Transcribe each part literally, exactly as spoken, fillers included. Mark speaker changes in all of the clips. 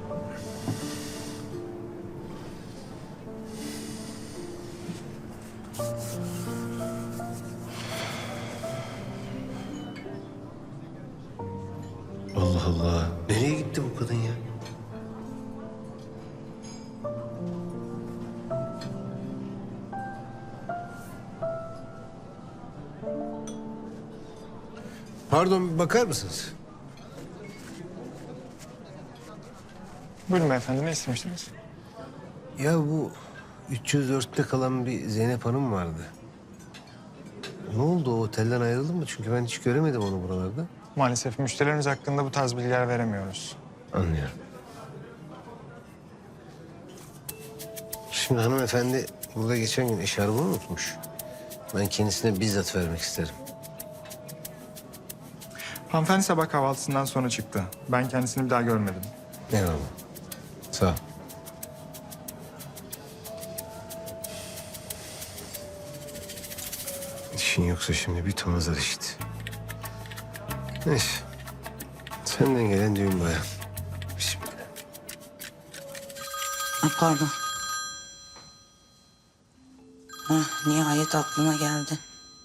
Speaker 1: Allah Allah. Nereye gitti bu kadın ya? Pardon, bir bakar mısınız?
Speaker 2: Buyurun beyefendi, ne istemiştiniz?
Speaker 1: Ya bu üç yüz dörtte kalan bir Zeynep Hanım vardı. Ne oldu, o otelden ayrıldı mı? Çünkü ben hiç göremedim onu buralarda.
Speaker 2: Maalesef müşterilerimiz hakkında bu tarz bilgiler veremiyoruz.
Speaker 1: Anlıyorum. Şimdi hanımefendi burada geçen gün eşarbını unutmuş. Ben kendisine bizzat vermek isterim.
Speaker 2: Hanımefendi sabah kahvaltısından sonra çıktı. Ben kendisini bir daha görmedim.
Speaker 1: Eyvallah. Sağ ol. İşin yoksa şimdi bir ton azar işte. Neyse. Senden gelen düğün bayağı. Bismillah.
Speaker 3: Ay pardon. Hah, nihayet aklına geldi.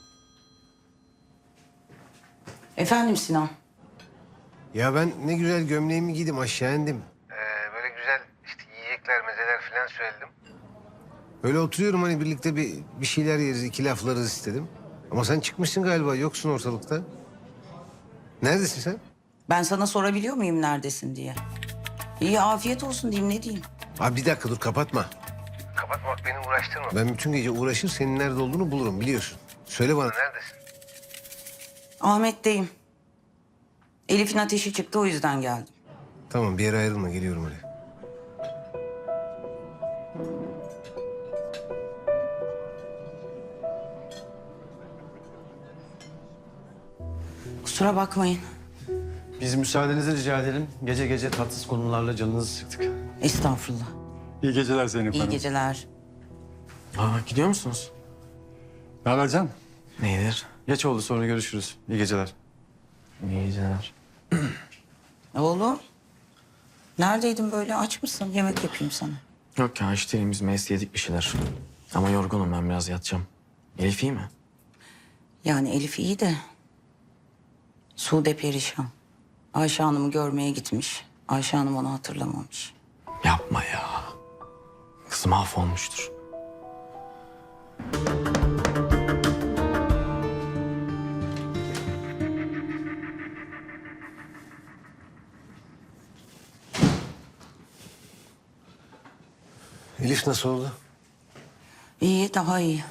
Speaker 3: Efendim Sinan.
Speaker 1: Ya ben ne güzel gömleğimi giydim, aşağı indim. Ee, böyle güzel işte yiyecekler, mezeler falan söyledim. Öyle oturuyorum, hani birlikte bir, bir şeyler yeriz, iki laflarız istedim. Ama sen çıkmışsın galiba, yoksun ortalıkta. Neredesin sen?
Speaker 3: Ben sana sorabiliyor muyum neredesin diye? İyi afiyet olsun diyeyim, ne diyeyim?
Speaker 1: Abi bir dakika dur, kapatma. Kapatmak beni uğraştırma. Ben bütün gece uğraşır, senin nerede olduğunu bulurum, biliyorsun. Söyle bana, neredesin?
Speaker 3: Ahmet'teyim. Elif'in ateşi çıktı, o yüzden geldim.
Speaker 1: Tamam, bir yere ayrılma, geliyorum oraya.
Speaker 3: Kusura bakmayın.
Speaker 4: Biz müsaadenizi rica edelim. Gece gece tatsız konularla canınızı sıktık.
Speaker 3: Estağfurullah.
Speaker 5: İyi geceler Zeynep
Speaker 3: İyi
Speaker 5: Hanım.
Speaker 3: geceler.
Speaker 4: Aa, gidiyor musunuz?
Speaker 5: Ne haber Can?
Speaker 4: Neydir? Geç oldu, sonra görüşürüz. İyi geceler. İyi geceler.
Speaker 3: Oğlum. Neredeydin böyle? Aç mısın? Yemek yapayım sana.
Speaker 6: Yok ya, işte elimiz meyse yedik bir şeyler. Ama yorgunum, ben biraz yatacağım. Elif iyi mi?
Speaker 3: Yani Elif iyi de Sude perişan. Ayşe Hanım'ı görmeye gitmiş. Ayşe Hanım onu hatırlamamış.
Speaker 6: Yapma ya. Kız mahvolmuştur.
Speaker 1: Elif nasıl oldu?
Speaker 3: İyi, daha iyi.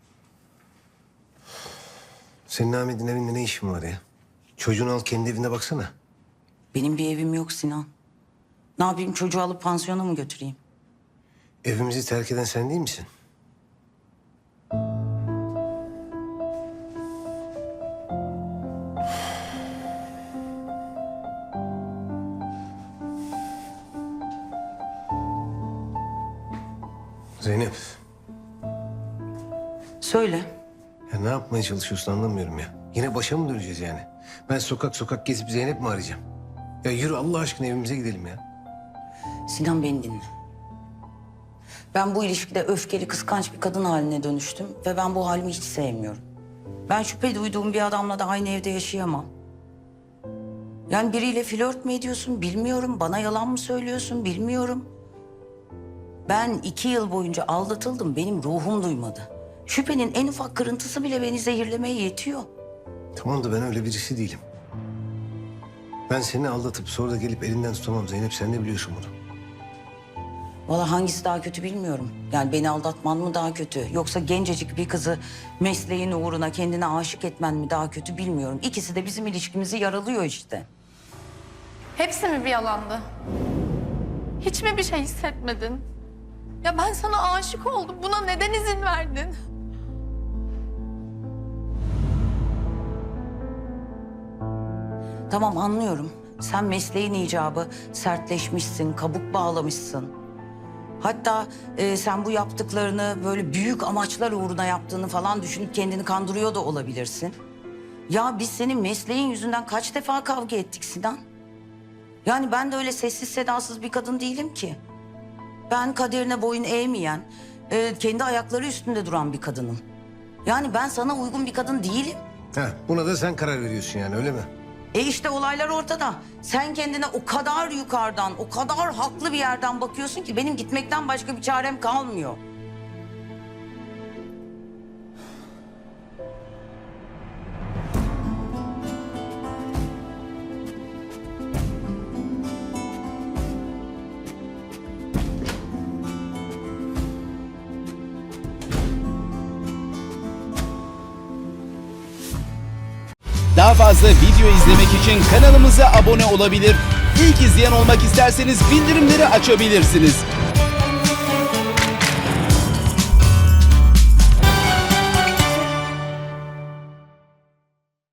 Speaker 1: Senin Ahmet'in evinde ne işin var ya? Çocuğunu al, kendi evine baksana.
Speaker 3: Benim bir evim yok Sinan. Ne yapayım, çocuğu alıp pansiyona mı götüreyim?
Speaker 1: Evimizi terk eden sen değil misin? Zeynep,
Speaker 3: Söyle.
Speaker 1: ya ne yapmaya çalışıyorsun anlamıyorum ya. Yine başa mı döneceğiz yani? Ben sokak sokak gezip Zeynep mi arayacağım? Ya yürü Allah aşkına, evimize gidelim ya.
Speaker 3: Sinan, beni dinle. Ben bu ilişkide öfkeli, kıskanç bir kadın haline dönüştüm ve ben bu halimi hiç sevmiyorum. Ben şüphe duyduğum bir adamla da aynı evde yaşayamam. Yani biriyle flört mü ediyorsun bilmiyorum, bana yalan mı söylüyorsun bilmiyorum. Ben iki yıl boyunca aldatıldım, benim ruhum duymadı. Şüphenin en ufak kırıntısı bile beni zehirlemeye yetiyor.
Speaker 1: Tamam da ben öyle birisi değilim. Ben seni aldatıp sonra da gelip elinden tutamam Zeynep, sen de biliyorsun bunu.
Speaker 3: Vallahi hangisi daha kötü bilmiyorum. Yani beni aldatman mı daha kötü? Yoksa gencecik bir kızı mesleğin uğruna kendine aşık etmen mi daha kötü bilmiyorum. İkisi de bizim ilişkimizi yaralıyor işte.
Speaker 7: Hepsi mi bir yalandı? Hiç mi bir şey hissetmedin? Ya ben sana aşık oldum. Buna neden izin verdin?
Speaker 3: Tamam, anlıyorum. Sen mesleğin icabı sertleşmişsin, kabuk bağlamışsın. Hatta e, sen bu yaptıklarını böyle büyük amaçlar uğruna yaptığını falan düşünüp kendini kandırıyor da olabilirsin. Ya biz senin mesleğin yüzünden kaç defa kavga ettik Sinan? Yani ben de öyle sessiz sedasız bir kadın değilim ki. Ben kaderine boyun eğmeyen, e, kendi ayakları üstünde duran bir kadınım. Yani ben sana uygun bir kadın değilim.
Speaker 1: Heh, buna da sen karar veriyorsun yani öyle mi?
Speaker 3: E işte olaylar ortada. Sen kendine o kadar yukarıdan, o kadar haklı bir yerden bakıyorsun ki benim gitmekten başka bir çarem kalmıyor.
Speaker 8: Daha fazla video izlemek için kanalımıza abone olabilir. İlk izleyen olmak isterseniz bildirimleri açabilirsiniz.